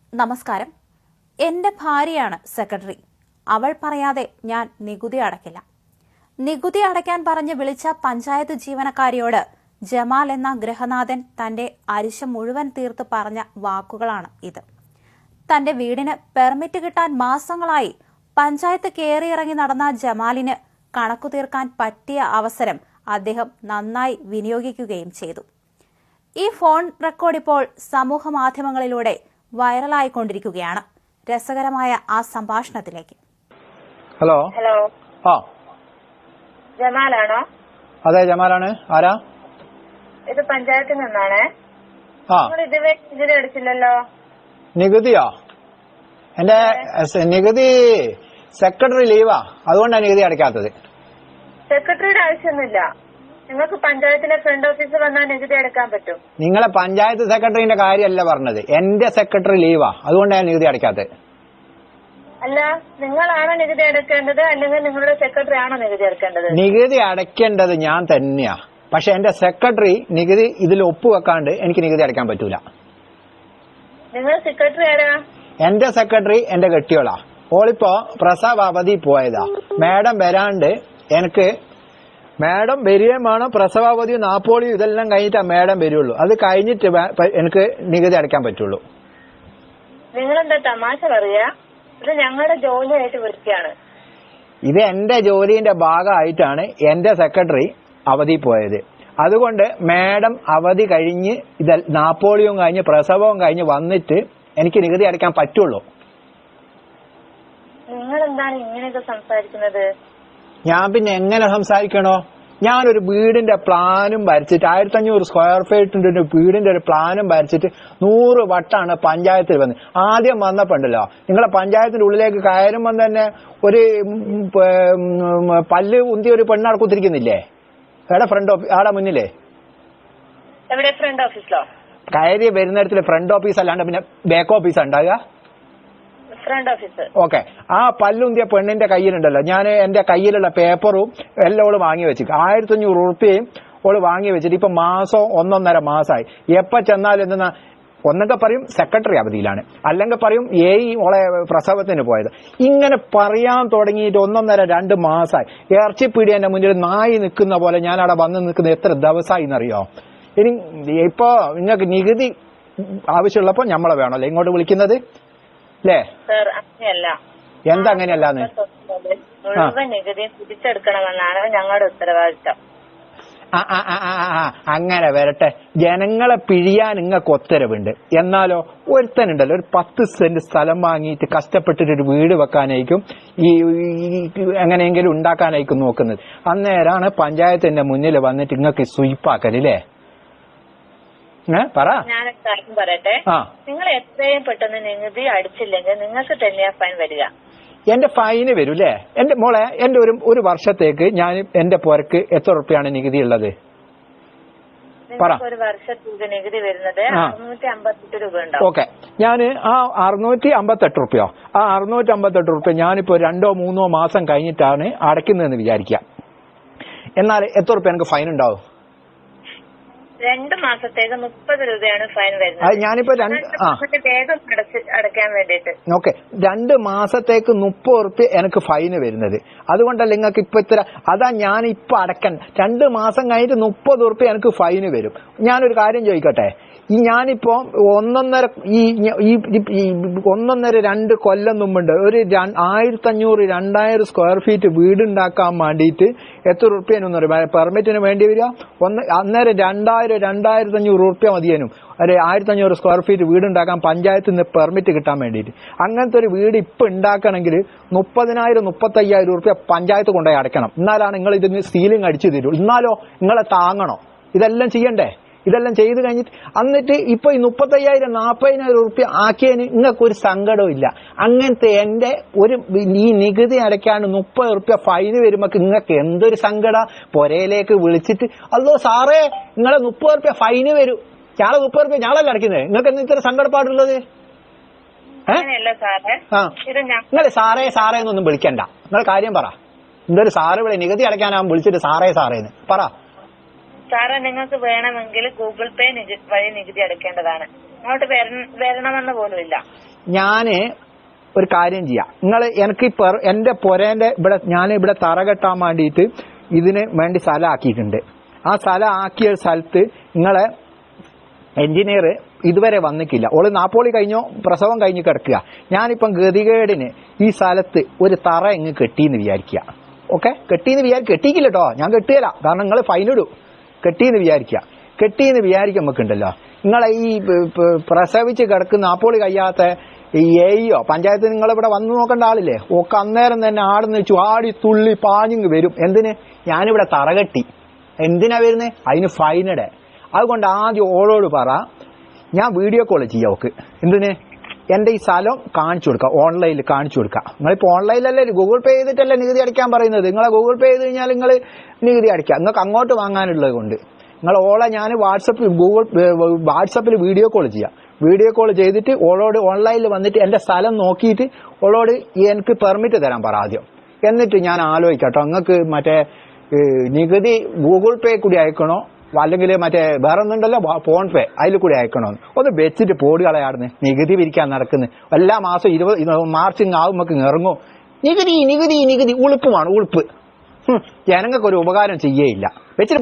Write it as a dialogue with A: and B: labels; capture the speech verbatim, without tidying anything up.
A: നമസ്കാരം. എൻ്റെ ഭാര്യയാണ് സെക്രട്ടറി. അവൾ പറയാതെ ഞാൻ നികുതി അടയ്ക്കില്ല. നികുതി അടയ്ക്കാൻ പറഞ്ഞ് വിളിച്ച പഞ്ചായത്ത് ജീവനക്കാരിയോട് ജമാൽ എന്ന ഗൃഹനാഥൻ തന്റെ അരിശം മുഴുവൻ തീർത്ത് പറഞ്ഞ വാക്കുകളാണ് ഇത്. തന്റെ വീടിന് പെർമിറ്റ് കിട്ടാൻ മാസങ്ങളായി പഞ്ചായത്ത് കയറിയിറങ്ങി നടന്ന ജമാലിന് കണക്കു തീർക്കാൻ പറ്റിയ അവസരം അദ്ദേഹം നന്നായി വിനിയോഗിക്കുകയും ചെയ്തു. ഈ ഫോൺ റെക്കോർഡ് ഇപ്പോൾ സമൂഹ മാധ്യമങ്ങളിലൂടെ വൈറലായിക്കൊണ്ടിരിക്കുകയാണ്. രസകരമായ ആ സംഭാഷണത്തിലേക്ക്.
B: ഹലോ
C: ഹലോ
B: ആ
C: ജമാലാണോ?
B: അതെ, ജമാലാണ്. ആരാ?
C: ഇത് പഞ്ചായത്തിൽ നിന്നാണ്.
B: ആ
C: നിങ്ങൾ ഇതുവരെ നികുതി അടിച്ചില്ലല്ലോ.
B: നികുതിയോ? എന്റെ നികുതി സെക്രട്ടറി ലീവാ, അതുകൊണ്ടാണ് നികുതി അടയ്ക്കാത്തത്.
C: സെക്രട്ടറിയുടെ ആവശ്യമൊന്നുമില്ല. നിങ്ങൾക്ക് പഞ്ചായത്തിലെ ഫ്രണ്ട് ഓഫീസിൽ വന്നാൽ നികുതി അടയ്ക്കാൻ പറ്റും.
B: നിങ്ങളെ പഞ്ചായത്ത് സെക്രട്ടറിന്റെ കാര്യമല്ല പറഞ്ഞത്, എന്റെ സെക്രട്ടറി ലീവാ, അതുകൊണ്ടാണ് നികുതി അടയ്ക്കാത്തത്.
C: അല്ല, നിങ്ങളാണോ നികുതി അടയ്ക്കേണ്ടത് അല്ലെങ്കിൽ നിങ്ങളുടെ സെക്രട്ടറി ആണോ നികുതി അടയ്ക്കേണ്ടത്?
B: നികുതി അടയ്ക്കേണ്ടത് ഞാൻ തന്നെയാ, പക്ഷെ എന്റെ സെക്രട്ടറി നികുതി ഇതിൽ ഒപ്പുവെക്കാണ്ട് എനിക്ക് നികുതി അടയ്ക്കാൻ പറ്റൂല.
C: നിങ്ങൾ സെക്രട്ടറി ആരാ?
B: എന്റെ സെക്രട്ടറി എന്റെ കെട്ടിയോളാ. ഓളിപ്പോ പ്രസവ അവധി പോയതാ. മാഡം വരാണ്ട് എനിക്ക് മാഡം വരികയും വേണം. പ്രസവാവധിയും നാപ്പോളിയും ഇതെല്ലാം കഴിഞ്ഞിട്ടാ മാഡം വരുള്ളൂ. അത് കഴിഞ്ഞിട്ട് എനിക്ക് നികുതി അടയ്ക്കാൻ പറ്റുള്ളൂ.
C: നിങ്ങളെന്താ തമാശ പറയാ? ഇത് ഞങ്ങളുടെ ജോലിയായിട്ട് വിളിക്കുകയാണ്.
B: ഇത് എന്റെ ജോലിന്റെ ഭാഗമായിട്ടാണ് എന്റെ സെക്രട്ടറി അവധി പോയത്. അതുകൊണ്ട് മാഡം അവധി കഴിഞ്ഞ് ഇത് നാപ്പോളിയും കഴിഞ്ഞ് പ്രസവവും കഴിഞ്ഞ് വന്നിട്ട് എനിക്ക് നികുതി അടയ്ക്കാൻ പറ്റുള്ളൂ.
C: നിങ്ങളെന്താണ് ഇങ്ങനെയൊക്കെ സംസാരിക്കുന്നത്?
B: ഞാൻ പിന്നെ എങ്ങനെ സംസാരിക്കണോ? ഞാനൊരു വീടിന്റെ പ്ലാനും വരച്ചിട്ട് ആയിരത്തി അഞ്ഞൂറ് സ്ക്വയർ ഫീറ്റിന്റെ ഒരു വീടിന്റെ ഒരു പ്ലാനും വരച്ചിട്ട് നൂറ് വട്ടാണ് പഞ്ചായത്തിൽ വന്ന്. ആദ്യം വന്നപ്പോണ്ടല്ലോ, നിങ്ങളെ പഞ്ചായത്തിന്റെ ഉള്ളിലേക്ക് കയറുമ്പോൾ തന്നെ ഒരു പല്ല് ഉന്തിയ ഒരു പെണ്ണാട് കുത്തിരിക്കുന്നില്ലേ? എവിടെ ഫ്രണ്ട് ഓഫീസ്? ആടെ മുന്നിലേ
C: എവിടെ? ഫ്രണ്ട് ഓഫീസിലോ?
B: കയറി വരുന്നിടത്തിൽ ഫ്രണ്ട് ഓഫീസ് അല്ലാണ്ട് പിന്നെ ബാക്ക് ഓഫീസ് ഉണ്ടാകുക.
C: Front office.
B: ഓക്കെ. ആ പല്ലുന്തിയ പെണ്ണിന്റെ കയ്യിലുണ്ടല്ലോ, ഞാൻ എന്റെ കയ്യിലുള്ള പേപ്പറും എല്ലാം ഓള് വാങ്ങി വെച്ചിട്ട് ആയിരത്തി അഞ്ഞൂറ് ഉറുപ്പ്യയും ഓള് വാങ്ങി വെച്ചിട്ട് ഇപ്പൊ മാസം ഒന്നൊന്നര മാസമായി. എപ്പ ചെന്നാലും എന്തെന്നാ, ഒന്നൊക്കെ പറയും സെക്രട്ടറി അവധിയിലാണ്, അല്ലെങ്കിൽ പറയും ഏയ് ഓളെ പ്രസവത്തിന് പോയത്. ഇങ്ങനെ പറയാൻ തുടങ്ങിയിട്ട് ഒന്നൊന്നര രണ്ട് മാസമായി. ഇറച്ചിപ്പീടി എന്റെ മുന്നിൽ നായി നിൽക്കുന്ന പോലെ ഞാൻ അവിടെ വന്ന് നിൽക്കുന്ന എത്ര ദിവസമായി എന്നറിയോ? ഇനി ഇപ്പോ നിങ്ങൾക്ക് നികുതി ആവശ്യമുള്ളപ്പോ നമ്മളെ വേണമല്ലോ ഇങ്ങോട്ട് വിളിക്കുന്നത് അല്ലേ? എന്താ അങ്ങനെയല്ലാന്ന്?
C: മുഴുവൻ നികുതി തിരിച്ചെടുക്കണമെന്നാണ് ഞങ്ങളുടെ ഉത്തരവാദിത്തം.
B: അങ്ങനെ വരട്ടെ. ജനങ്ങളെ പിഴിയാൻ നിങ്ങൾക്ക് ഉത്തരവുണ്ട്. എന്നാലോ ഒരുത്തനുണ്ടല്ലോ, ഒരു പത്ത് സെന്റ് സ്ഥലം വാങ്ങിയിട്ട് കഷ്ടപ്പെട്ടിട്ട് ഒരു വീട് വെക്കാനായിരിക്കും ഈ എങ്ങനെയെങ്കിലും ഉണ്ടാക്കാനായിരിക്കും നോക്കുന്നത്. അന്നേരാണ് പഞ്ചായത്തിന്റെ മുന്നിൽ വന്നിട്ട് നിങ്ങൾക്ക് സ്വീപ്പാക്കല്ലേ? പറ.
C: ഞാനൊരു കാര്യം പറയട്ടെ. നിങ്ങൾ എത്രയും പെട്ടെന്ന് നികുതി അടിച്ചില്ലെങ്കിൽ നിങ്ങൾക്ക് തന്നെയാ ഫൈൻ വരിക.
B: എന്റെ ഫൈന് വരും അല്ലേ? എന്റെ മോളെ, എന്റെ ഒരു ഒരു വർഷത്തേക്ക് ഞാൻ എന്റെ പുരക്ക് എത്ര റുപ്യാണ് നികുതി ഉള്ളത്?
C: ഒരു വർഷത്തേക്ക് നികുതി വരുന്നത് അറുന്നൂറ്റി അമ്പത്തെട്ട് രൂപ ഉണ്ടാവും.
B: ഓക്കെ. ഞാൻ ആ അറുന്നൂറ്റി അമ്പത്തെട്ട് റുപ്യോ ആ അറുന്നൂറ്റി അമ്പത്തെട്ട് റുപ്യ ഞാനിപ്പോ രണ്ടോ മൂന്നോ മാസം കഴിഞ്ഞിട്ടാണ് അടയ്ക്കുന്നതെന്ന് വിചാരിക്കാം. എന്നാൽ എത്ര റുപ്യ എനിക്ക് ഫൈൻ ഉണ്ടാവും?
C: രണ്ട് മാസത്തേക്ക് മുപ്പത് രൂപയാണ് ഫൈൻ വരുന്നത്.
B: അത് ഞാനിപ്പോ
C: വേഗം അടയ്ക്കാൻ വേണ്ടിട്ട്.
B: ഓക്കെ. രണ്ട് മാസത്തേക്ക് മുപ്പത് റുപ്യ എനിക്ക് ഫൈന് വരുന്നത്. അതുകൊണ്ടല്ല നിങ്ങൾക്ക് ഇപ്പൊ ഇത്ര. അതാ ഞാൻ ഇപ്പൊ അടയ്ക്കാൻ രണ്ട് മാസം കഴിഞ്ഞിട്ട് മുപ്പത് റുപ്യ എനിക്ക് ഫൈന് വരും. ഞാനൊരു കാര്യം ചോദിക്കട്ടെ, ഈ ഞാനിപ്പോ ഒന്നൊന്നര ഈ ഒന്നൊന്നര രണ്ട് കൊല്ലം മുമ്പുണ്ട് ഒരു ആയിരത്തി അഞ്ഞൂറ് രണ്ടായിരം സ്ക്വയർ ഫീറ്റ് വീടുണ്ടാക്കാൻ വേണ്ടിയിട്ട് എത്ര റുപ്യനൊന്നും അറിയാം പെർമിറ്റിന് വേണ്ടി വരിക? ഒന്ന് അന്നേരം രണ്ടായിരം രണ്ടായിരത്തി അഞ്ഞൂറ് റുപ്യ മതിയേനും ഒരു ആയിരത്തി അഞ്ഞൂറ് സ്ക്വയർ ഫീറ്റ് വീടുണ്ടാക്കാൻ പഞ്ചായത്തിൽ നിന്ന് പെർമിറ്റ് കിട്ടാൻ വേണ്ടിയിട്ട്. അങ്ങനത്തെ ഒരു വീട് ഇപ്പൊ ഉണ്ടാക്കണമെങ്കിൽ മുപ്പതിനായിരം മുപ്പത്തയ്യായിരം റുപ്യ പഞ്ചായത്ത് കൊണ്ടുപോയി അടയ്ക്കണം. എന്നാലാണ് നിങ്ങൾ ഇതിന് സീലിംഗ് അടിച്ചു തരൂ. എന്നാലോ നിങ്ങളെ താങ്ങണോ? ഇതെല്ലാം ചെയ്യണ്ടേ? ഇതെല്ലാം ചെയ്ത് കഴിഞ്ഞിട്ട് എന്നിട്ട് ഇപ്പൊ ഈ മുപ്പത്തയ്യായിരം നാപ്പതിനായിരം റുപ്യ ആക്കിയതിന് നിങ്ങൾക്ക് ഒരു സങ്കടവും ഇല്ല. അങ്ങനത്തെ എന്റെ ഒരു ഈ നികുതി അടയ്ക്കാണ്ട് മുപ്പത് റുപ്യ ഫൈന് വരുമ്പോ നിങ്ങൾക്ക് എന്തൊരു സങ്കട. പൊരയിലേക്ക് വിളിച്ചിട്ട് അല്ലോ സാറേ നിങ്ങളെ മുപ്പത് റുപ്യ ഫൈന് വരും, ഞാളെ മുപ്പത് റുപ്യ ഞാളല്ല അടയ്ക്കുന്നത്, നിങ്ങൾക്ക് എന്താ ഇത്ര സങ്കടപ്പാടുള്ളത്? ആ നിങ്ങൾ സാറേ സാറേ എന്നൊന്നും വിളിക്കണ്ട. നിങ്ങൾ കാര്യം പറ. എന്തൊരു സാറ് വിളി നികുതി അടയ്ക്കാനാകും വിളിച്ചിട്ട് സാറേ സാറേന്ന് പറ.
C: സാറേ നിങ്ങൾക്ക് വേണമെങ്കിൽ ഗൂഗിൾ പേ വഴി നികുതി അടയ്ക്കേണ്ടതാണ്. ഇങ്ങോട്ട് വര- വരണമെന്ന് പോലുമില്ല.
B: ഞാന് ഒരു കാര്യം ചെയ്യാം, നിങ്ങൾ എനിക്ക് ഇപ്പൊ എന്റെ പൊരേന്റെ ഇവിടെ ഞാൻ ഇവിടെ തറ കെട്ടാൻ വേണ്ടിയിട്ട് ഇതിന് വേണ്ടി സ്ഥലം ആക്കിയിട്ടുണ്ട്. ആ സ്ഥലം ആക്കിയ സ്ഥലത്ത് നിങ്ങളെ എഞ്ചിനീയർ ഇതുവരെ വന്നിട്ടില്ല. ഓള് നാപ്പോളി കഴിഞ്ഞോ പ്രസവം കഴിഞ്ഞ് കിടക്കുക. ഞാനിപ്പം ഗതികേടിന് ഈ സ്ഥലത്ത് ഒരു തറ എങ്ങ് കെട്ടിന്ന് വിചാരിക്കുക. ഓക്കെ, കെട്ടിന്ന് വിചാരി കെട്ടിക്കില്ല കേട്ടോ, ഞാൻ കെട്ടിയല്ല, കാരണം നിങ്ങൾ ഫൈനിടും. കെട്ടിന്ന് വിചാരിക്കുക. കെട്ടിന്ന് വിചാരിക്കാൻ നമുക്കുണ്ടല്ലോ, നിങ്ങളെ ഈ പ്രസവിച്ച് കിടക്കുന്ന നാപ്പോളി കഴിയാത്ത ഈ എയോ പഞ്ചായത്ത് നിങ്ങളിവിടെ വന്നു നോക്കേണ്ട ആളില്ലേ, ഒക്കെ അന്നേരം തന്നെ ആടുന്ന് വെച്ചു ആടി തുള്ളി പാഞ്ഞിങ് വരും. എന്തിന്? ഞാനിവിടെ തറ കെട്ടി. എന്തിനാ വരുന്നത്? അതിന് ഫൈനിടെ. അതുകൊണ്ട് ആദ്യം ഓളോട് പറ, ഞാൻ വീഡിയോ കോൾ ചെയ്യാം ഓക്ക്. എന്തിന്? എന്റെ ഈ സ്ഥലം കാണിച്ചു കൊടുക്കാം, ഓൺലൈനിൽ കാണിച്ചു കൊടുക്കാം. നിങ്ങളിപ്പോ ഓൺലൈനിലല്ലേ ഗൂഗിൾ പേ ചെയ്തിട്ടല്ലേ നികുതി അടിക്കാൻ പറയുന്നത്. നിങ്ങളെ ഗൂഗിൾ പേ ചെയ്ത് കഴിഞ്ഞാൽ നിങ്ങൾ നികുതി അടിക്കാം. നിങ്ങൾക്ക് അങ്ങോട്ട് വാങ്ങാനുള്ളത് കൊണ്ട് നിങ്ങൾ ഓളെ ഞാൻ വാട്സപ്പിൽ ഗൂഗിൾ വാട്സപ്പിൽ വീഡിയോ കോൾ ചെയ്യാം. വീഡിയോ കോൾ ചെയ്തിട്ട് ഓളോട് ഓൺലൈനിൽ വന്നിട്ട് എന്റെ സ്ഥലം നോക്കിയിട്ട് ഓളോട് എനിക്ക് പെർമിറ്റ് തരാൻ പറ ആദ്യം. എന്നിട്ട് ഞാൻ ആലോചിക്കട്ടോ, നിങ്ങൾക്ക് മറ്റേ നികുതി ഗൂഗിൾ പേ കൂടി അയക്കണോ അല്ലെങ്കിൽ മറ്റേ വേറെ ഒന്നുണ്ടല്ലോ ഫോൺ പേ അതിൽ കൂടി അയക്കണോ ഒന്ന് വെച്ചിട്ട് പോടി കളയാടുന്ന്. നികുതി പിരിക്കാൻ നടക്കുന്നു എല്ലാ മാസം ഇരുപത് മാർച്ച് ആവുമ്പോ ഇറങ്ങും നികുതി നികുതി നികുതി. ഉളുപ്പുമാണ് ഉളുപ്പ്. ജനങ്ങൾക്ക് ഒരു ഉപകാരം ചെയ്യേയില്ല വെച്ചിട്ട്